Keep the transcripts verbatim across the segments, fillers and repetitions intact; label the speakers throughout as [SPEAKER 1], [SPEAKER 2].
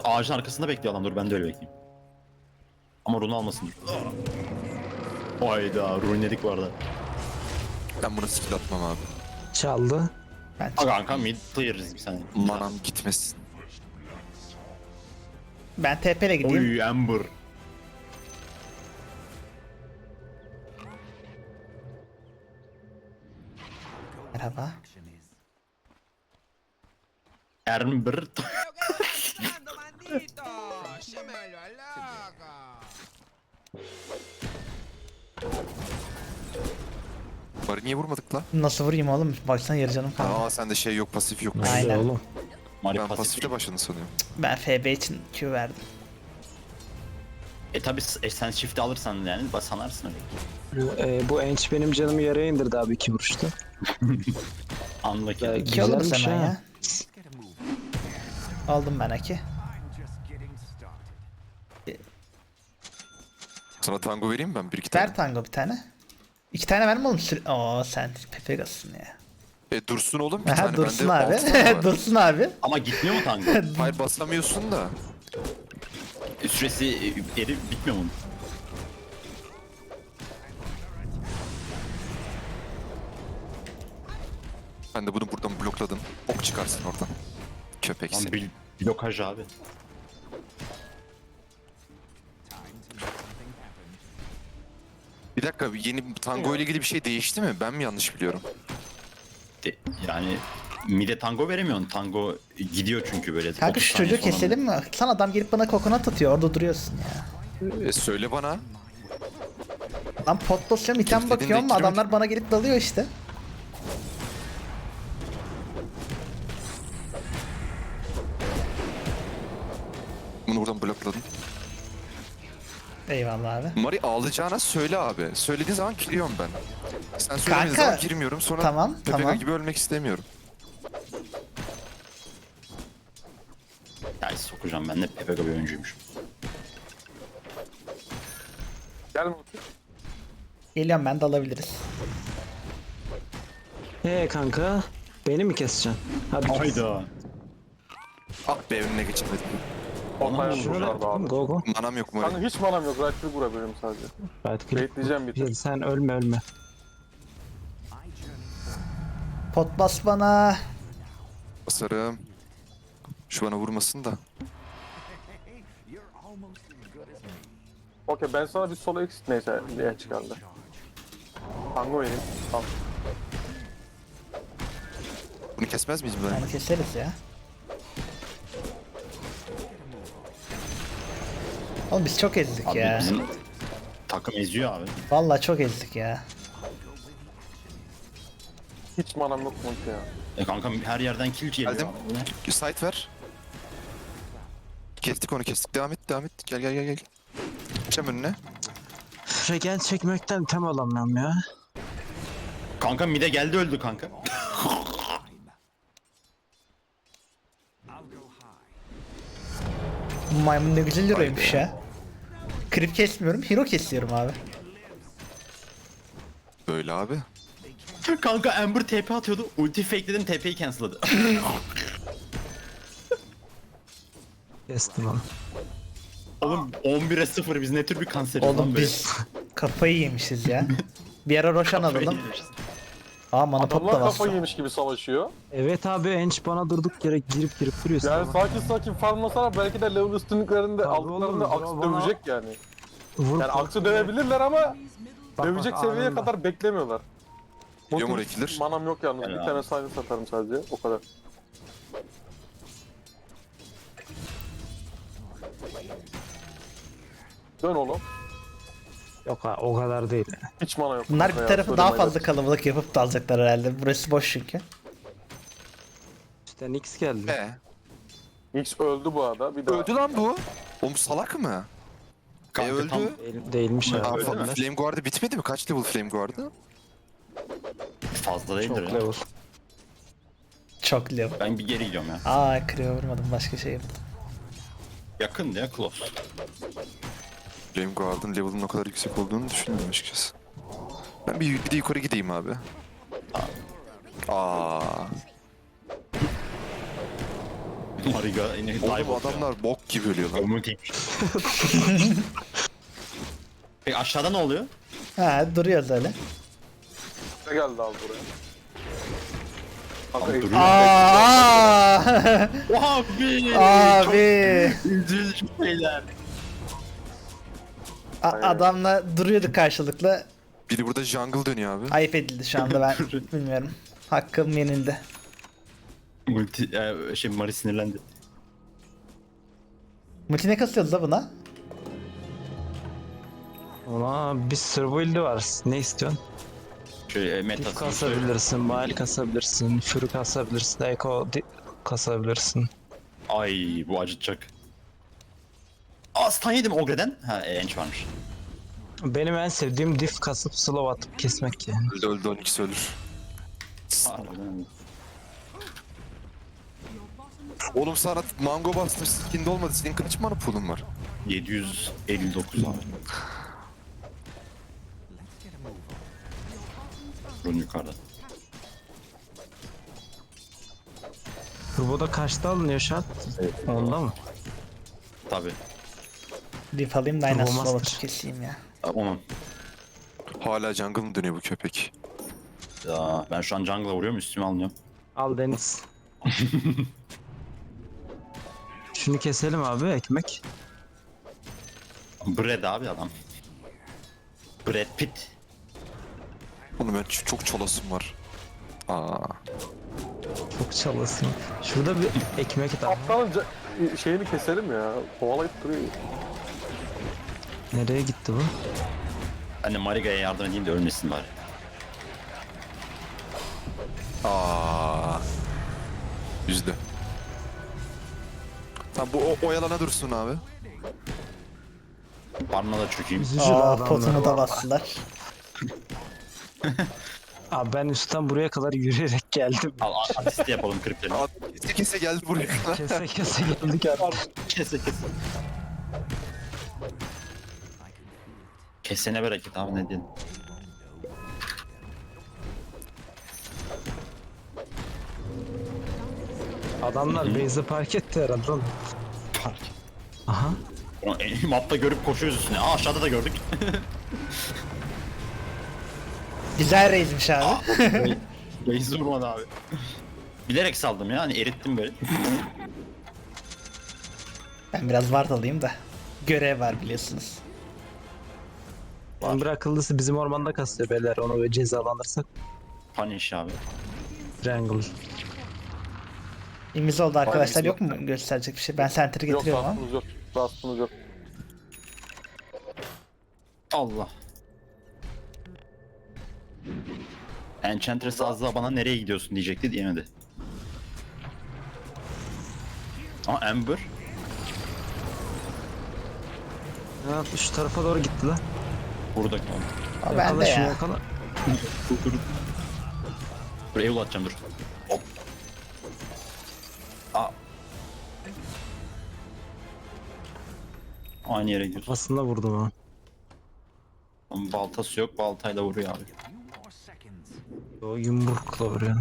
[SPEAKER 1] Ağacın arkasında bekliyor adam, dur ben de öyle bekleyeyim. Ama runu almasın. Hayda, rune'ledik bu arada.
[SPEAKER 2] Ben buna skill atmam abi.
[SPEAKER 3] Çaldı.
[SPEAKER 4] Ben
[SPEAKER 1] Aga kanka mid clear'ız bir saniye.
[SPEAKER 2] Manam gitmesin.
[SPEAKER 4] ben T P ile gideyim.
[SPEAKER 1] Oy Ember.
[SPEAKER 4] Merhaba.
[SPEAKER 1] Ember.
[SPEAKER 5] Fernando, maldito! ¡Yo me vuelvo loco!
[SPEAKER 2] Bari niye vurmadık lan?
[SPEAKER 4] Nasıl vurayım oğlum? Baksana yarı canım kaldı.
[SPEAKER 2] Aa sende şey yok, pasif yok.
[SPEAKER 3] Nerede
[SPEAKER 4] Aynen.
[SPEAKER 3] oğlum?
[SPEAKER 1] Mari
[SPEAKER 2] Ben
[SPEAKER 1] pasif.
[SPEAKER 2] pasifte başladın sanıyorum.
[SPEAKER 4] Ben F B için Q verdim.
[SPEAKER 1] E tabi e, sen shift'i alırsan yani bas sanarsın öyle.
[SPEAKER 3] Ee, bu enç benim canımı yaraya indirdi abi iki vuruşta.
[SPEAKER 1] Anla ki.
[SPEAKER 3] Ya,
[SPEAKER 4] İki alırız
[SPEAKER 3] güzelmiş
[SPEAKER 4] hemen
[SPEAKER 3] ha.
[SPEAKER 4] ya. Aldım ben iki.
[SPEAKER 2] Sana tango vereyim mi ben bir iki tane?
[SPEAKER 4] Ver tango bir tane. İki tane verme oğlum. Süre... Oo sen Pepegas'sın ya.
[SPEAKER 2] E dursun oğlum bir
[SPEAKER 4] Aha,
[SPEAKER 2] tane.
[SPEAKER 4] dursun
[SPEAKER 2] Bende
[SPEAKER 4] abi.
[SPEAKER 2] altı tane var.
[SPEAKER 4] Dursun abi.
[SPEAKER 1] Ama gitmiyor mu tango?
[SPEAKER 2] Hayır basamıyorsun da.
[SPEAKER 1] E, Süresi e, eri bitmiyor mu?
[SPEAKER 2] Ben de bunu buradan blokladım. Ok çıkarsın oradan. Köpek
[SPEAKER 1] Lan
[SPEAKER 2] seni.
[SPEAKER 1] bir blokaj abi.
[SPEAKER 2] Bir dakika yeni tango ile ilgili bir şey değişti mi? Ben mi yanlış biliyorum?
[SPEAKER 1] De, yani mide tango veremiyorsun. Tango gidiyor çünkü böyle.
[SPEAKER 4] Kanka
[SPEAKER 1] otuz
[SPEAKER 4] şu
[SPEAKER 1] saniye
[SPEAKER 4] çocuğu
[SPEAKER 1] sonra.
[SPEAKER 4] keselim mi? Lan adam gelip bana kokonat atıyor. Orada duruyorsun ya.
[SPEAKER 2] E söyle bana.
[SPEAKER 4] Lan pot basıyorum item
[SPEAKER 2] Kilitledin
[SPEAKER 4] bakıyorum
[SPEAKER 2] de
[SPEAKER 4] adamlar
[SPEAKER 2] giremedim.
[SPEAKER 4] bana gelip dalıyor işte.
[SPEAKER 2] Bunu buradan blokladım.
[SPEAKER 4] Eyvallah abi.
[SPEAKER 2] Mari ağlayacağına söyle abi. Söylediğin zaman giriyorum ben. Sen söylemediğin
[SPEAKER 4] Kanka,
[SPEAKER 2] zaman girmiyorum. Sonra
[SPEAKER 4] tamam,
[SPEAKER 2] Pepega
[SPEAKER 4] tamam.
[SPEAKER 2] gibi ölmek istemiyorum.
[SPEAKER 1] Ya sokacağım, ben de Pepega bir oyuncuymuş.
[SPEAKER 6] Gel Mutlu.
[SPEAKER 4] Geliyorum ben de alabiliriz.
[SPEAKER 3] Ee kanka, beni mi keseceksin? Hadi kes.
[SPEAKER 1] Hayda.
[SPEAKER 2] Ah be önüne geçemedim.
[SPEAKER 6] Ortaya
[SPEAKER 3] Şöyle
[SPEAKER 6] vururlardı abi.
[SPEAKER 3] go go.
[SPEAKER 2] Manam yok Mari.
[SPEAKER 6] Kanka hiç manam yok. Right click vurabilirim sadece.
[SPEAKER 3] Right click.
[SPEAKER 6] Bekleyeceğim bir tek.
[SPEAKER 3] Sen ölme ölme.
[SPEAKER 4] Pot bas bana.
[SPEAKER 2] Basarım. Şu bana vurmasın da.
[SPEAKER 6] Okey ben sana bir solo exit neyse diye çıkardı. Tango vereyim. Tamam.
[SPEAKER 2] Bunu kesmez miyiz ben?
[SPEAKER 4] Onu keseriz ya. Oğlum biz çok ezdik
[SPEAKER 1] Abi
[SPEAKER 4] ya.
[SPEAKER 1] bizim takım eziyor abi.
[SPEAKER 4] Vallahi çok ezdik ya.
[SPEAKER 6] Hiç manam yok Mutlu ya.
[SPEAKER 1] E kanka her yerden kill geliyor.
[SPEAKER 2] Geldim.
[SPEAKER 1] abi, bu ne?
[SPEAKER 2] Site ver. Kestik onu kestik. Devam et devam et. Gel gel gel gel. Geçeceğim önüne.
[SPEAKER 3] Regen çekmekten tem alamıyorum ya.
[SPEAKER 1] Kanka mide geldi öldü kanka.
[SPEAKER 4] Bu maymun ne güzel heroymuş ya. Creep kesmiyorum, hero kesiyorum abi.
[SPEAKER 2] Böyle abi.
[SPEAKER 1] Kanka Ember T P atıyordu. Ulti fakeledim, T P'yi cancelladı.
[SPEAKER 3] Kestim onu.
[SPEAKER 1] Oğlum on bire sıfır biz ne tür bir kanseriz lan
[SPEAKER 4] Oğlum
[SPEAKER 1] böyle.
[SPEAKER 4] biz kafayı yemişiz ya. Bir ara Roshan alalım. Aa mana pot da
[SPEAKER 6] Adamlar
[SPEAKER 4] bastı.
[SPEAKER 6] kafa yemiş gibi savaşıyor.
[SPEAKER 3] Evet abi enç bana durduk yere girip girip duruyor.
[SPEAKER 6] Yani
[SPEAKER 3] sana.
[SPEAKER 6] sakin sakin farmlasalar belki de level üstünlüklerinde
[SPEAKER 3] Tabii
[SPEAKER 6] aldıklarında
[SPEAKER 3] oğlum,
[SPEAKER 6] aksi
[SPEAKER 3] bana-
[SPEAKER 6] dövecek yani.
[SPEAKER 3] Vur,
[SPEAKER 6] Yani
[SPEAKER 3] vur.
[SPEAKER 6] aksi dövebilirler ama
[SPEAKER 3] Bak,
[SPEAKER 6] dövecek
[SPEAKER 3] bak,
[SPEAKER 6] seviyeye
[SPEAKER 3] anında.
[SPEAKER 6] kadar beklemiyorlar.
[SPEAKER 2] Biliyor mu
[SPEAKER 6] Mutlu,
[SPEAKER 2] Rekilir?
[SPEAKER 6] manam yok yalnız.
[SPEAKER 1] Helal
[SPEAKER 6] Bir
[SPEAKER 1] abi.
[SPEAKER 6] tane sayını satarım sadece. O kadar. Dön oğlum.
[SPEAKER 3] Yok ha o kadar değil.
[SPEAKER 6] Hiç mana yok.
[SPEAKER 4] Bunlar
[SPEAKER 6] kanka
[SPEAKER 4] bir
[SPEAKER 6] ya,
[SPEAKER 4] tarafı daha
[SPEAKER 6] söylemeyle.
[SPEAKER 4] fazla kalabalık yapıp da alacaklar herhalde. Burası boş çünkü.
[SPEAKER 3] İşte Nix geldi.
[SPEAKER 2] E.
[SPEAKER 6] X öldü bu arada. Bir daha.
[SPEAKER 2] Öldü lan bu. Oğlum salak mı?
[SPEAKER 1] Kanka
[SPEAKER 2] e öldü.
[SPEAKER 1] tam-
[SPEAKER 3] Değil, değilmiş
[SPEAKER 2] Aa,
[SPEAKER 3] abi.
[SPEAKER 1] Öldü mü?
[SPEAKER 2] Flame Guard'ı bitmedi mi? Kaç level Flame Guard'ı?
[SPEAKER 1] Fazla değildir
[SPEAKER 3] Çok
[SPEAKER 1] ya.
[SPEAKER 3] level.
[SPEAKER 4] Çok level.
[SPEAKER 1] Ben bir geri gidiyorum ya.
[SPEAKER 4] Aa Creo vurmadım, başka şey yaptım.
[SPEAKER 1] Yakın ya close.
[SPEAKER 2] Flame Guard'ın level'ın o kadar yüksek olduğunu düşünmüyorum açıkçası. Ben bir, bir de yukarı gideyim abi. Aa.
[SPEAKER 1] Mariga yine dive
[SPEAKER 2] Oğlum
[SPEAKER 1] atıyor.
[SPEAKER 2] adamlar bok gibi ölüyor lan.
[SPEAKER 1] Multi. Peki aşağıda ne oluyor?
[SPEAKER 4] Ha duruyoruz öyle.
[SPEAKER 6] Ne geldi abi buraya? Kanka
[SPEAKER 1] Abi
[SPEAKER 6] ev-
[SPEAKER 1] duruyor.
[SPEAKER 4] Aa!
[SPEAKER 1] Abi.
[SPEAKER 4] Abi.
[SPEAKER 1] Üzücü şeyler.
[SPEAKER 4] A- adamla duruyorduk karşılıklı.
[SPEAKER 2] Biri burada jungle dönüyor abi.
[SPEAKER 4] Ayıp edildi şu anda ben bilmiyorum. Hakkım yenildi.
[SPEAKER 1] Multi e, şey Mari sinirlendi.
[SPEAKER 4] Multi ne kasıyoruz da buna?
[SPEAKER 3] Ona bir sürü build'i var. Ne istiyorsun?
[SPEAKER 1] Şöyle e,
[SPEAKER 3] Diff
[SPEAKER 1] metasını
[SPEAKER 3] kasabilirsin, Mile kasabilirsin, Fury kasabilirsin, Echo di- kasabilirsin.
[SPEAKER 1] Ay bu acıtacak. Aa stun yedim Ogre'den. Ha e, enç varmış.
[SPEAKER 3] Benim en sevdiğim diff kasıp slow atıp kesmek yani.
[SPEAKER 2] Öldü öldü on ikisi ölür.
[SPEAKER 1] Harbiden.
[SPEAKER 2] Oğlum sana mango bastım skinde olmadı. Senin kaç mana pool'un var?
[SPEAKER 1] yedi yüz elli dokuz abi. Run yukarıda.
[SPEAKER 3] Turbo'da kaçta alınıyor şart? Onda mı?
[SPEAKER 1] Tabi.
[SPEAKER 4] Diff alayım da aynen
[SPEAKER 3] Turbo
[SPEAKER 4] slow
[SPEAKER 3] Master.
[SPEAKER 4] atıp keseyim ya.
[SPEAKER 1] Onun.
[SPEAKER 2] Hala jungle mı dönüyor bu köpek?
[SPEAKER 1] Ya ben şu an jungle'a vuruyorum üstüme alınıyorum.
[SPEAKER 3] Al Deniz. Şunu keselim abi ekmek.
[SPEAKER 1] Brad abi adam. Brad Pitt.
[SPEAKER 2] Oğlum ben ç- çok çolasım var. Aa.
[SPEAKER 3] Çok çalasın. Şurada bir ekmek daha.
[SPEAKER 6] Aptalın ca- şeyini keselim ya. Kovalayıp duruyor.
[SPEAKER 3] Nereye gitti bu?
[SPEAKER 1] Ben de Mariga'ya yardım edeyim de ölmesin bari.
[SPEAKER 2] Aa. Yüzde. Tamam bu o, oyalana dursun abi.
[SPEAKER 1] Parmağı da çökeyim.
[SPEAKER 3] Üzücü
[SPEAKER 4] Aa
[SPEAKER 3] adamlar.
[SPEAKER 4] potunu da bastılar.
[SPEAKER 3] Abi ben üstten buraya kadar yürüyerek geldim.
[SPEAKER 1] Al a- asist yapalım kripleri.
[SPEAKER 2] Aa, kese kese geldi buraya.
[SPEAKER 3] Kese kese geldik artık.
[SPEAKER 1] Kese kese. Kesene bereket abi ne diyorsun?
[SPEAKER 3] Adamlar base'e park etti herhalde oğlum.
[SPEAKER 1] Fark.
[SPEAKER 3] Aha.
[SPEAKER 1] Ulan, e, Mapta görüp koşuyoruz üstüne. Aa aşağıda da gördük.
[SPEAKER 4] Güzel raidmiş abi.
[SPEAKER 1] Reis vurmadı abi. Bilerek saldım ya hani erittim böyle.
[SPEAKER 4] Ben biraz ward alayım da. Görev var biliyorsunuz.
[SPEAKER 3] Emre akıllısı bizim ormanda kasıyor beyler, onu böyle cezalandırsak.
[SPEAKER 1] Punish abi.
[SPEAKER 3] Triangle.
[SPEAKER 4] İmiz oldu arkadaşlar,
[SPEAKER 6] Aynen,
[SPEAKER 4] yok mu gösterecek bir şey? Ben center'ı
[SPEAKER 6] Yok
[SPEAKER 4] getiriyorum ama.
[SPEAKER 6] rastımız yok. Rastımız yok.
[SPEAKER 1] Allah. Enchantress az daha bana nereye gidiyorsun diyecekti diyemedi. Aa Ember.
[SPEAKER 3] Ya şu tarafa doğru gitti lan.
[SPEAKER 1] Burada kaldı.
[SPEAKER 4] Aa, ben
[SPEAKER 3] Yakala
[SPEAKER 4] de
[SPEAKER 3] şunu
[SPEAKER 4] ya.
[SPEAKER 3] yakala.
[SPEAKER 1] Dur dur. Dur evil atacağım dur. Hop. Aa. Aynı yere gidiyoruz.
[SPEAKER 3] Aslında vurdum ha.
[SPEAKER 1] Ama baltası yok, baltayla vuruyor abi.
[SPEAKER 3] O yumrukla vuruyor.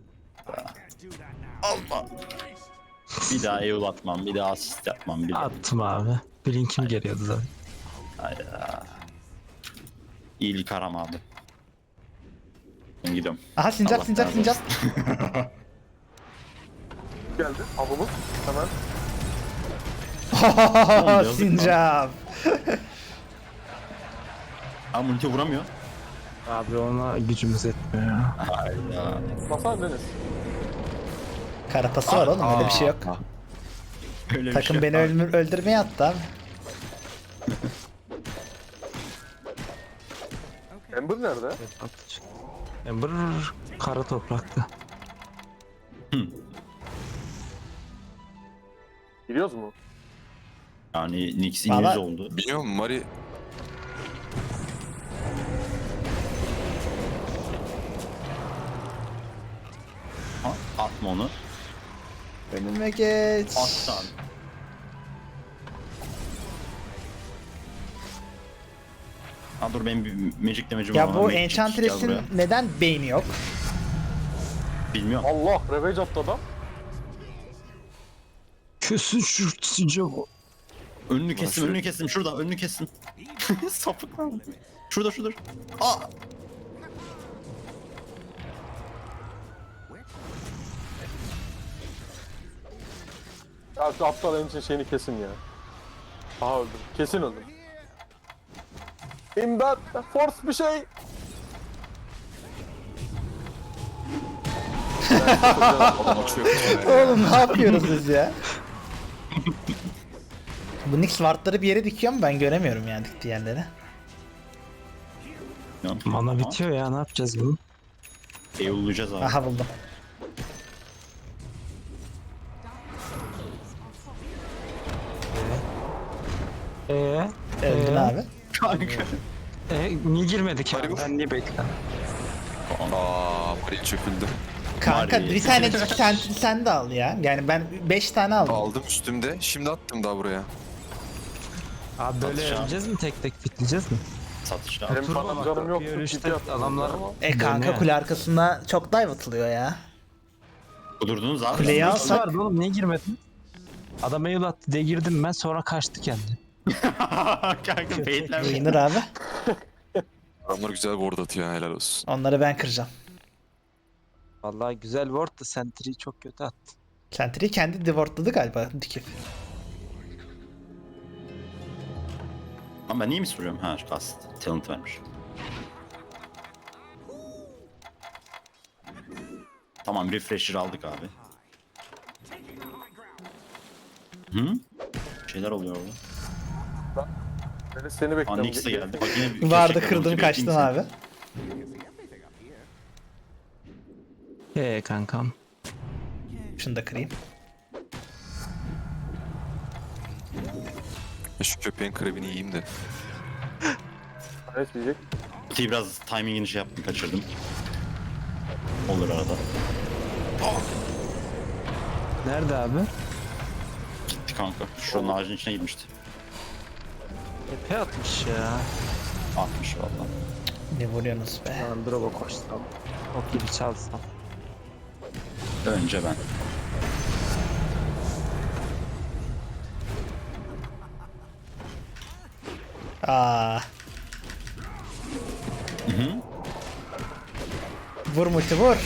[SPEAKER 1] Allah. Bir daha evil atmam, bir daha asist yapmam, bir daha.
[SPEAKER 3] Attım abi. Blink'im geliyordu zaten.
[SPEAKER 1] Hayda. İyilik aram abi. Ben gidiyorum.
[SPEAKER 4] Aha sincap
[SPEAKER 1] Allah
[SPEAKER 4] sincap
[SPEAKER 1] razı
[SPEAKER 4] sincap.
[SPEAKER 6] Geldi. Avımız. Hemen.
[SPEAKER 1] yazık lan.
[SPEAKER 4] Sincap.
[SPEAKER 1] Aa multi vuramıyor.
[SPEAKER 3] Abi ona gücümüz yetmiyor ya.
[SPEAKER 1] Hayda.
[SPEAKER 6] Basar Deniz.
[SPEAKER 4] Karapası var oğlum, öyle bir şey yok.
[SPEAKER 1] Aa, Öyle bir
[SPEAKER 4] Takım
[SPEAKER 1] şey
[SPEAKER 4] beni
[SPEAKER 1] yok.
[SPEAKER 4] öldür öldürmeye attı abi.
[SPEAKER 6] Ember nerede?
[SPEAKER 3] Atış. Ember kara toprakta.
[SPEAKER 6] Gidiyoruz mu?
[SPEAKER 1] Yani Nix
[SPEAKER 4] Valla-
[SPEAKER 1] yüz oldu.
[SPEAKER 2] Biliyor musun Mari?
[SPEAKER 1] Ha, atma onu.
[SPEAKER 4] Önüme geç.
[SPEAKER 1] At abi. Ha dur benim bir magic damage'im var.
[SPEAKER 4] Ya bu
[SPEAKER 1] Magic gel
[SPEAKER 4] Enchantress'in
[SPEAKER 1] buraya.
[SPEAKER 4] neden beyni yok?
[SPEAKER 1] Bilmiyorum.
[SPEAKER 6] Allah. Revenge attı adam.
[SPEAKER 3] Kesin şu sıcak o.
[SPEAKER 1] Önünü kestim,
[SPEAKER 2] şöyle-
[SPEAKER 1] önünü kestim. Şurada, önünü kestim. Sapık lan. Şurada, şurada. Aa!
[SPEAKER 6] Ya şu aptal benim için şeyini kesin ya. Aha öldüm. Kesin öldüm. İmdat! Force bir şey!
[SPEAKER 2] Adam açıyor.
[SPEAKER 4] Oğlum ne yapıyoruz biz ya? Bu Nyx wardları bir yere dikiyor mu? Ben göremiyorum yani diktiği yerleri.
[SPEAKER 3] Mana bitiyor ya, ne yapacağız bunu?
[SPEAKER 1] Eyvallayacağız abi.
[SPEAKER 4] Aha buldum.
[SPEAKER 3] Eee?
[SPEAKER 4] Öldün
[SPEAKER 3] Ee?
[SPEAKER 4] abi.
[SPEAKER 1] Kanka.
[SPEAKER 3] E, niye girmedik abi?
[SPEAKER 2] Hadi bu.
[SPEAKER 3] Ben niye bekledim?
[SPEAKER 2] Aa, Maria çöküldü.
[SPEAKER 4] Kanka
[SPEAKER 1] Bari-
[SPEAKER 4] bir tane sen, sen de al ya. Yani ben beş tane aldım.
[SPEAKER 2] Aldım üstümde. Şimdi attım daha buraya.
[SPEAKER 3] Abi böyle
[SPEAKER 1] Satacağım.
[SPEAKER 3] öleceğiz mi, tek tek bitleyeceğiz mi?
[SPEAKER 1] Satışta.
[SPEAKER 6] Benim
[SPEAKER 3] Dur
[SPEAKER 6] falan
[SPEAKER 3] bak,
[SPEAKER 6] canım yok.
[SPEAKER 3] bir ölüşte adamlar-
[SPEAKER 4] E kanka
[SPEAKER 3] Dönüyor.
[SPEAKER 4] kule arkasında çok dive atılıyor ya.
[SPEAKER 1] Kudurdunuz abi.
[SPEAKER 4] Kuleyi
[SPEAKER 1] Siz-
[SPEAKER 4] alsak-
[SPEAKER 3] Vardı oğlum, niye girmedin? Adam eul attı diye girdim ben, sonra kaçtı kendi.
[SPEAKER 1] Kanka beyitlenme.
[SPEAKER 4] Winner abi.
[SPEAKER 2] Adamlar güzel ward atıyor, helal olsun.
[SPEAKER 4] Onları ben kıracağım.
[SPEAKER 3] Vallahi güzel ward da sentry'yi çok kötü attı.
[SPEAKER 4] Sentry'yi kendi divortladı galiba dikip.
[SPEAKER 1] Ama ben niye mi soruyorum? Ha, kast. Talent vermiş. Tamam, refresher aldık abi. Hı? Bir şeyler oluyor orada.
[SPEAKER 6] Ben seni
[SPEAKER 1] Aa,
[SPEAKER 6] bekliyorum.
[SPEAKER 1] Nyx de geldi. Bak yine bir
[SPEAKER 4] Vardı
[SPEAKER 1] köşe
[SPEAKER 4] kırdım
[SPEAKER 1] kırıldı,
[SPEAKER 4] kaçtım
[SPEAKER 1] bekleyeyim
[SPEAKER 4] abi.
[SPEAKER 3] Eee kankam.
[SPEAKER 4] Şunu da kırayım.
[SPEAKER 2] Ya şu köpeğin krebini yiyeyim de.
[SPEAKER 6] Ne diyecek?
[SPEAKER 1] seni. Ki biraz timingini şey yaptım, kaçırdım. Olur arada.
[SPEAKER 3] Nerede abi?
[SPEAKER 1] Gitti kanka. Şuranın ağacın içine girmişti.
[SPEAKER 3] Epe atmış ya.
[SPEAKER 1] Atmış valla.
[SPEAKER 4] Ne vuruyorsunuz be?
[SPEAKER 3] Lan drop'a koşsam. Ok gibi çalsam.
[SPEAKER 1] Önce ben.
[SPEAKER 4] Aa. Vur multi vur.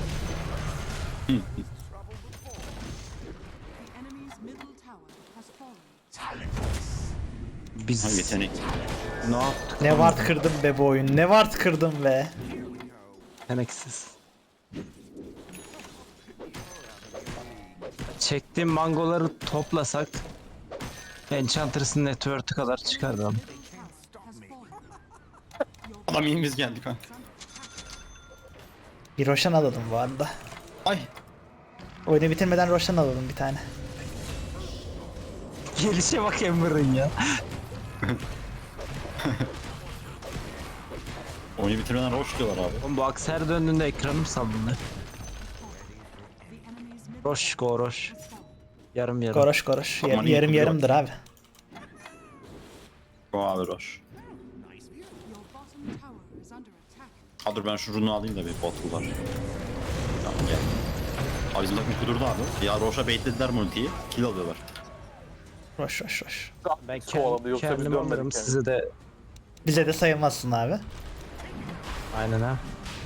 [SPEAKER 7] Enemy's middle tower has fallen.
[SPEAKER 3] Biz
[SPEAKER 1] Ha, yetenek.
[SPEAKER 3] ne yaptık?
[SPEAKER 4] Ne
[SPEAKER 3] lan
[SPEAKER 4] ward
[SPEAKER 3] biz?
[SPEAKER 4] kırdım be bu oyun. Ne ward kırdım be.
[SPEAKER 3] Yeteneksiz. Çektiğim mangoları toplasak Enchantress'ın network'ü kadar çıkardı abi.
[SPEAKER 1] Adam yengimiz geldi kanka.
[SPEAKER 4] Bir Roshan alalım bu arada.
[SPEAKER 1] Ay.
[SPEAKER 4] Oyunu bitirmeden Roshan alalım bir tane.
[SPEAKER 3] Gelişe bak Ember'ın ya.
[SPEAKER 1] Oyunu bitirmeden roş diyorlar abi.
[SPEAKER 3] Oğlum bu aks her döndüğünde ekranım sallanıyor.
[SPEAKER 7] The enemy's middle
[SPEAKER 3] Roş go roş. Yarım yarım.
[SPEAKER 4] Goroş goroş. Yar-
[SPEAKER 1] Aman iyi
[SPEAKER 4] yarım
[SPEAKER 1] kuruyor.
[SPEAKER 4] yarımdır abi.
[SPEAKER 1] O abi roş.
[SPEAKER 7] your bottom tower is under attack.
[SPEAKER 1] Ha dur ben şu runu alayım da bir botlular. Tamam gel. Abi bizim takım kudurdu abi. Ya Roş'a baitlediler multiyi. Kill alıyorlar.
[SPEAKER 4] Roş roş roş.
[SPEAKER 3] Ben
[SPEAKER 6] Kovaladı,
[SPEAKER 3] kendim,
[SPEAKER 6] yoksa biz
[SPEAKER 3] kendim
[SPEAKER 6] dönmedik
[SPEAKER 3] alırım,
[SPEAKER 6] yani.
[SPEAKER 3] size de
[SPEAKER 4] Bize de sayılmazsın abi.
[SPEAKER 3] aynen ha.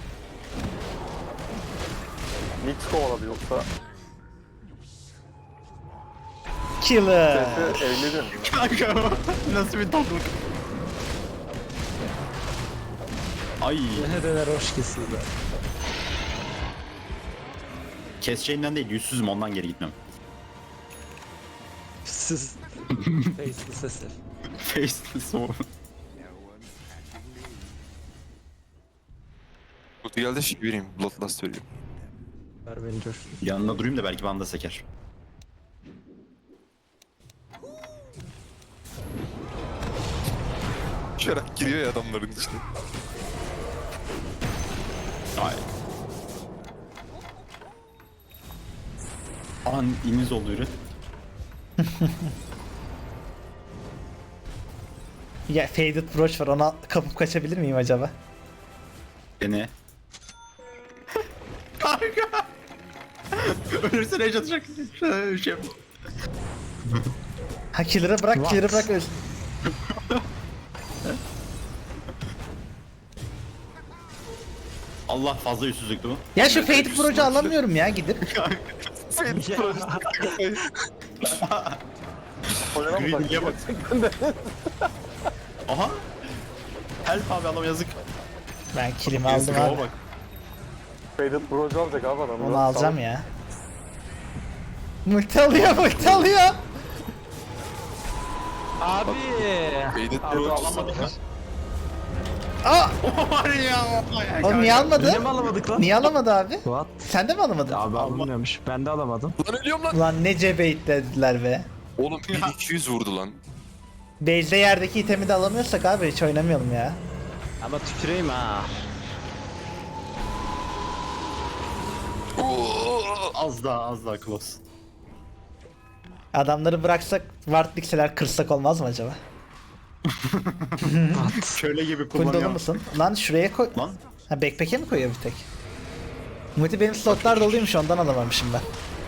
[SPEAKER 6] Nyx kovaladı yoksa.
[SPEAKER 4] Killer.
[SPEAKER 6] Sesi evlenir mi?
[SPEAKER 1] Kanka nasıl bir tatlılık. Ay
[SPEAKER 3] Ne de roş kesildi.
[SPEAKER 1] keseceğinden değil yüzsüzüm ondan geri gitmem.
[SPEAKER 3] Siz face'li sesi.
[SPEAKER 1] Face'li soğuk.
[SPEAKER 2] Kutu geldi şey vereyim. Bloodlust veriyor.
[SPEAKER 3] Ver beni coş.
[SPEAKER 1] Yanında durayım da belki bana da seker.
[SPEAKER 2] Şarak giriyor ya adamların içine.
[SPEAKER 1] Ay. An iniz oldu yürü.
[SPEAKER 4] Ya Faded Brooch var, ona kapıp kaçabilir miyim acaba?
[SPEAKER 1] Dene. Kanka. Ölürsen heyecan atacak. Şöyle bir şey yap.
[SPEAKER 4] Ha killer'ı bırak,
[SPEAKER 3] What?
[SPEAKER 4] killer'ı bırak. Öz-
[SPEAKER 1] Allah fazla yüzsüzlüktü bu.
[SPEAKER 4] Ya şu Fate Pro'cu alamıyorum ya gidip.
[SPEAKER 6] Oynama bak.
[SPEAKER 1] Greedy'ye bak. Aha. Help abi adam yazık.
[SPEAKER 4] Ben killimi aldım
[SPEAKER 1] Yazık
[SPEAKER 4] abi.
[SPEAKER 1] ama bak.
[SPEAKER 6] Faded Bro'cu alacak abi adam.
[SPEAKER 4] Onu alacağım ya. Multi alıyor, multi alıyor.
[SPEAKER 3] Abi.
[SPEAKER 2] Faded
[SPEAKER 3] Abi,
[SPEAKER 2] Pro
[SPEAKER 1] Alamadık.
[SPEAKER 4] Aa!
[SPEAKER 1] Var ya.
[SPEAKER 4] Oğlum niye almadı?
[SPEAKER 3] Yine mi alamadık lan?
[SPEAKER 4] Niye alamadı abi?
[SPEAKER 3] What?
[SPEAKER 4] Sen de mi alamadın?
[SPEAKER 3] Abi alınmıyormuş. Ben de alamadım.
[SPEAKER 2] Lan ölüyorum lan.
[SPEAKER 4] Ulan ne cebeytlediler be.
[SPEAKER 2] Oğlum bin iki yüz vurdu lan.
[SPEAKER 4] Base'de yerdeki itemi de alamıyorsak abi hiç oynamayalım ya.
[SPEAKER 3] Ama tüküreyim ha.
[SPEAKER 1] Az daha az daha close.
[SPEAKER 4] Adamları bıraksak ward dikseler kırsak olmaz mı acaba?
[SPEAKER 1] Köle gibi
[SPEAKER 4] Full dolu
[SPEAKER 1] kullanıyor.
[SPEAKER 4] musun? Lan şuraya koy.
[SPEAKER 1] Lan.
[SPEAKER 4] Ha backpack'e mi koyuyor bir tek? Muti benim slotlar doluymuş ondan alamamışım ben.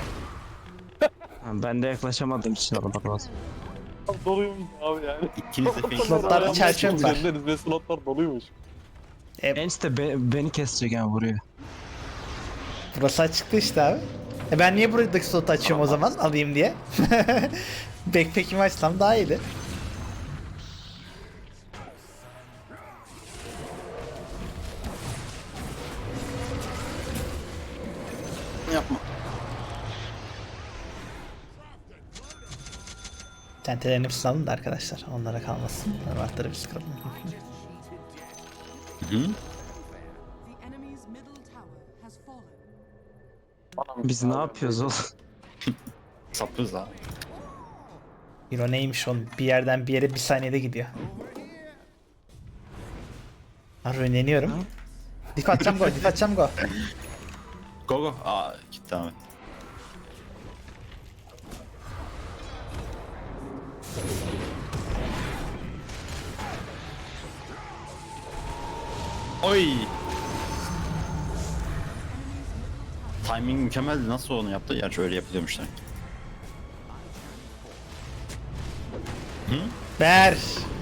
[SPEAKER 3] Ha, Ben de yaklaşamadığım için alamadım lazım.
[SPEAKER 6] Doluymuş abi yani.
[SPEAKER 1] İkiniz de fake.
[SPEAKER 4] Slotlarda çerçeve var.
[SPEAKER 6] Üzerinde ve slotlar doluymuş.
[SPEAKER 3] Enste be, beni kesecek yani vuruyor.
[SPEAKER 4] Burası açıktı işte abi. E ben niye buradaki slotu açıyorum o zaman alayım diye. Backpack'imi açsam daha iyiydi.
[SPEAKER 1] Yapma.
[SPEAKER 4] Tentelerin hepsini alın da arkadaşlar. Onlara kalmasın. Wardları biz kıralım.
[SPEAKER 1] Hı?
[SPEAKER 7] The enemy's middle tower has fallen.
[SPEAKER 3] Biz ne yapıyoruz oğlum?
[SPEAKER 1] Sapız ha.
[SPEAKER 4] Hero neymiş oğlum? Bir yerden bir yere bir saniyede gidiyor. Ha rönleniyorum. Dif atacağım go, dif atacağım go.
[SPEAKER 1] Go go. Aa gitti Ahmet. Oy. Timing mükemmeldi. Nasıl onu yaptı? Gerçi öyle yapılıyormuş sanki.
[SPEAKER 4] Ver.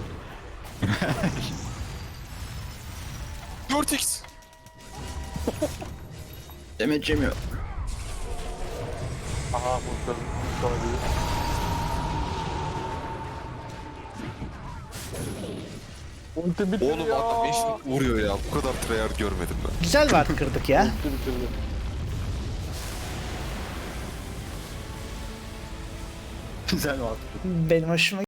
[SPEAKER 2] dört x.
[SPEAKER 1] Demet yemiyor.
[SPEAKER 6] Aha bu sonra değil. Ulti bitti
[SPEAKER 2] Oğlum
[SPEAKER 6] ya.
[SPEAKER 2] adam eşlik vuruyor ya. Bu kadar tryhard görmedim ben.
[SPEAKER 4] Güzel ward kırdık ya.
[SPEAKER 6] Ulti bitirdi.
[SPEAKER 1] Güzel var.
[SPEAKER 4] Benim hoşuma